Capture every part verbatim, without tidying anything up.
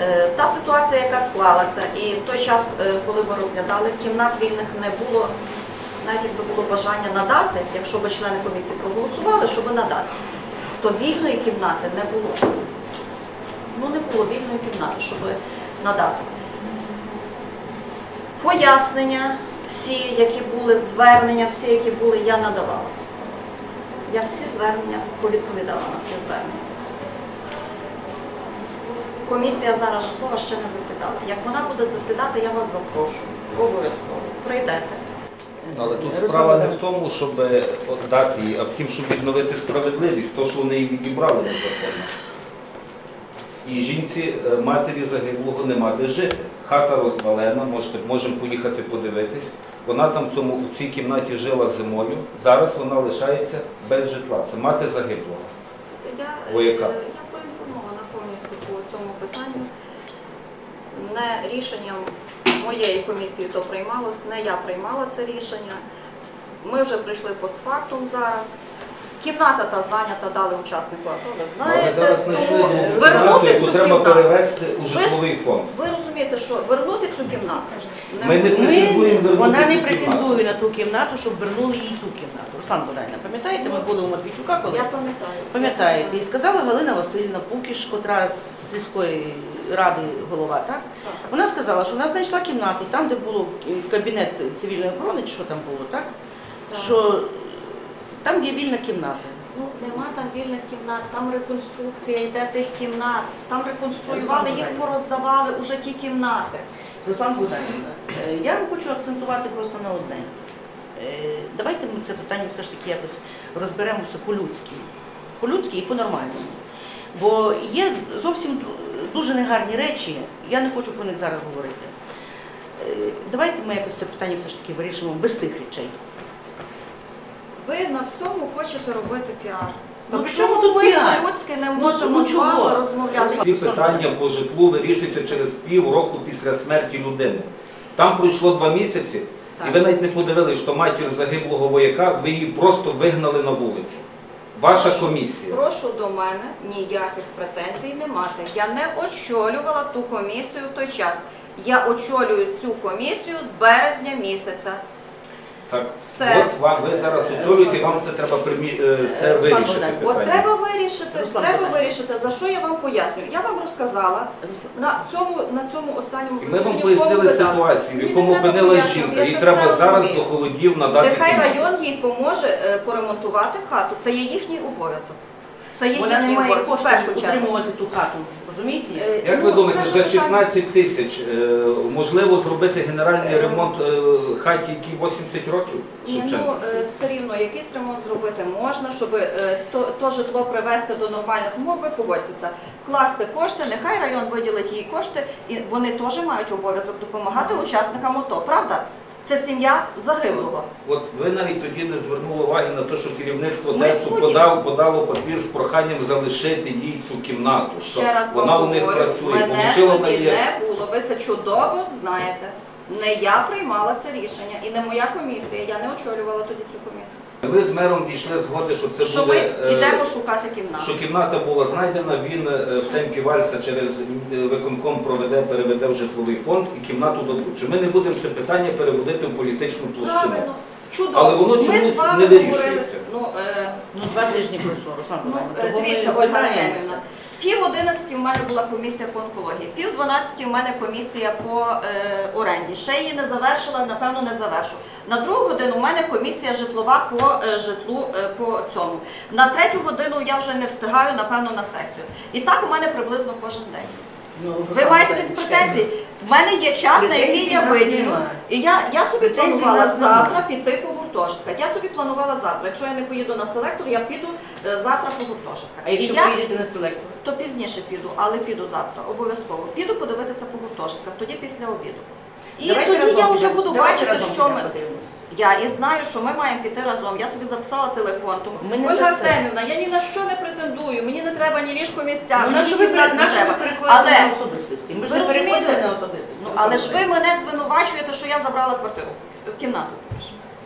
Та ситуація, яка склалася, і в той час, коли ми розглядали, кімнат вільних не було, навіть якби було бажання надати, якщо б члени комісії проголосували, щоб надати, то вільної кімнати не було. Ну, не було вільної кімнати, щоб надати. Пояснення всі, які були, звернення всі, які були, я надавала. Я всі звернення повідповідала на всі звернення. Комісія зараз житлова ще не засідала. Як вона буде засідати, я вас запрошую. Обов'язково. Прийдете. Але тут справа не в тому, щоб дати її, а в тім, щоб відновити справедливість, то, що вони її відібрали незаконно. І жінці, матері загиблого, нема де жити. Хата розвалена, можете, можемо поїхати подивитись. Вона там в, цьому, в цій кімнаті жила зимою, зараз вона лишається без житла. Це мати загиблого. Я, Вояка. я проінформована повністю по цьому питанню. Не рішенням моєї комісії то приймалось, не я приймала це рішення. Ми вже прийшли постфактум зараз. Кімната та зайнята, дали учаснику АТО, ви знаєте. Але зараз знайшли Тому кімнату, яку цю треба кімнату. перевести у житловий фонд. Ви розумієте, що вернути цю кімнату? Ми не претендуємо вернути Вона не цю кімнату. претендує на ту кімнату, щоб вернули їй ту кімнату. Руслан Богданівна, пам'ятаєте, ми були у Матвійчука, коли? Я пам'ятаю. Пам'ятаєте, і сказала Галина Васильівна Пукіш, котра з сільської ради голова, так? Так. Вона сказала, що вона знайшла кімнату, там, де було кабінет цивільної охорони, чи що там було, так? Так. Що там є вільна кімната. Ну, нема там вільних кімнат, там реконструкція йде тих кімнат, там реконструювали, їх пороздавали уже ті кімнати. Руслан Богданівна, е, я вам хочу акцентувати просто на одне. Е, Давайте ми це питання все ж таки якось розберемося по-людськи. По-людськи і по-нормальному. Бо є зовсім дуже негарні речі, я не хочу про них зараз говорити. Е, Давайте ми якось це питання все ж таки вирішимо без тих речей. Ви на всьому хочете робити піар. Ну, Ну при чому чому тут ми піар? по-людськи не Ну, можемо ну, з вами чого? розмовляти? Ці питання по житлу вирішуються через пів року після смерті людини. Там пройшло два місяці, Так. і ви навіть не подивились, що матір загиблого вояка, ви її просто вигнали на вулицю. Ваша комісія. Прошу до мене ніяких претензій не мати. Я не очолювала ту комісію в той час. Я очолюю цю комісію з березня місяця. Так, Все. от вам, ви зараз очолюєте, і вам це треба примі... е, це Руслан вирішити Богданович, От питання. треба вирішити, Руслан треба Богданович. вирішити, за що я вам пояснюю. Я вам розказала на цьому, на цьому останньому І ми засіданні, вам пояснили кому ви дали. ситуацію, в Мені якому не треба опинилась пояснювати, жінка. я Їй це треба все зараз розумію. до холодів надати Нехай кімнату. район їй поможе е, поремонтувати хату. Це є їхній обов'язок. Це є Вона не їхній має обов'язок в першу коштів чергу. утримувати ту хату, розумієте? Е, Як ну, ви думаєте, це за ж шістнадцять тисяч е, можливо зробити генеральний Е, ремонт е, хаті, якій вісімдесят років? Ні, ну Шевченківській? е, все рівно якийсь ремонт зробити можна, щоб е, то, то житло привести до нормальних умов. Ви погодьтеся, класти кошти, нехай район виділить їй кошти, і вони теж мають обов'язок допомагати учасникам АТО, правда? Це сім'я загиблого. От ви навіть тоді не звернули уваги на те, що керівництво Ми ТЕСу судді. подав, подало папір з проханням залишити їй цю кімнату, що Ще раз вона вам у них говорю, працює. мене Получила тоді Марія. не було, ви це чудово знаєте. Не я приймала це рішення і не моя комісія, я не очолювала тоді цю комісію. Ви з мером дійшли згоди, що це Що ми буде, е, йдемо шукати кімнату. що кімната була знайдена, він е, в темпі вальса через е, виконком проведе, переведе в житловий фонд і кімнату дадуть. Чи ми не будемо це питання переводити в політичну площину? Правильно, чудово. Але воно Ми чомусь з вами не вирішується. говорили, Ну, е, Ну, два тижні пройшло, Руслан Ну, Богданівна. е, Тому ми дивіться, Ольга питаємося. Артемівна, пів одинадцяті в мене була комісія по онкології, пів дванадцяті в мене комісія по е, оренді. Ще її не завершила, напевно, не завершу. На другу годину в мене комісія житлова по е, житлу е, по цьому. На третю годину я вже не встигаю, напевно, на сесію. І так у мене приблизно кожен день. Ну, Ви Руслан маєте Богданович, якісь претензії? В мене є час, на який Претензій я в нас виділю. немає. І я, я собі Претензій в планувала нас немає. завтра піти по гуртожитках. Я собі планувала завтра. Якщо я не поїду на селектор, я піду е, завтра по гуртожитках. А І якщо я, поїдете на селектор? то пізніше піду, але піду завтра, обов'язково. Піду подивитися по гуртожитках, тоді після обіду. І Давайте тоді разом я вже підемо. буду Давайте бачити, разом що підемо, ми... подивимось. Я і знаю, що ми маємо піти разом. Я собі записала телефон. Тому Ми не Ольга за це. Артемівна, я ні на що не претендую, мені не треба ні ліжко місця, Ну, мені на що ви, кімнат пере- не на що ви треба. переходите Але, на особистості? Ми ж ви не переходили розумієте? на особистості. ну, але ж ви мене звинувачуєте, що я забрала квартиру, кімнату.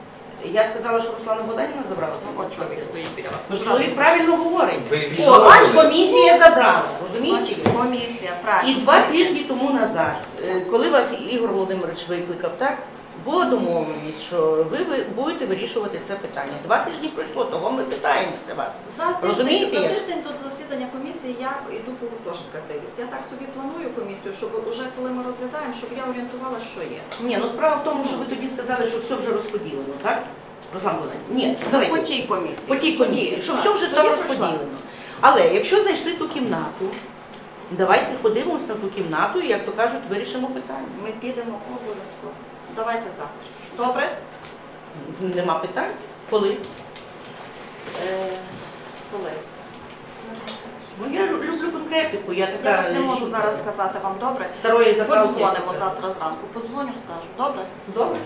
Я сказала, що Руслана Богданівна забрала. Ну, от чоловік стоїть біля вас. Ну, чоловік правильно говорить. Ви О, відмовили. бачите? Комісія забрала, розумієте? Бачите, комісія, правильно. І два тижні тому назад, е, коли вас Ігор Володимирович викликав, так, була домовленість, що ви ви будете вирішувати це питання. Два тижні пройшло, того ми питаємося вас. За тиждень, Розумієте, за як? тиждень до засідання комісії я йду по гуртожитках дивлюсь. Я так собі планую комісію, щоб уже коли ми розглядаємо, щоб я орієнтувалася, що є. Ні, ну справа в тому, що ви тоді сказали, що все вже розподілено, так? Руслан Володимирович? Ні, По давайте. тій комісії. По тій комісії, що так. все вже Тоді там пройшла. розподілено. Але якщо знайшли ту кімнату, давайте подивимося на ту кімнату і, як то кажуть, вирішимо питання. Ми підемо обов'язково. Давайте завтра. Добре? Нема питань? Коли? Е, коли? Ну я люблю конкретику, я Я така так не можу що- зараз сказати вам, добре? старої заправки. Подзвонимо завтра зранку. Подзвоню, скажу. Добре? Добре.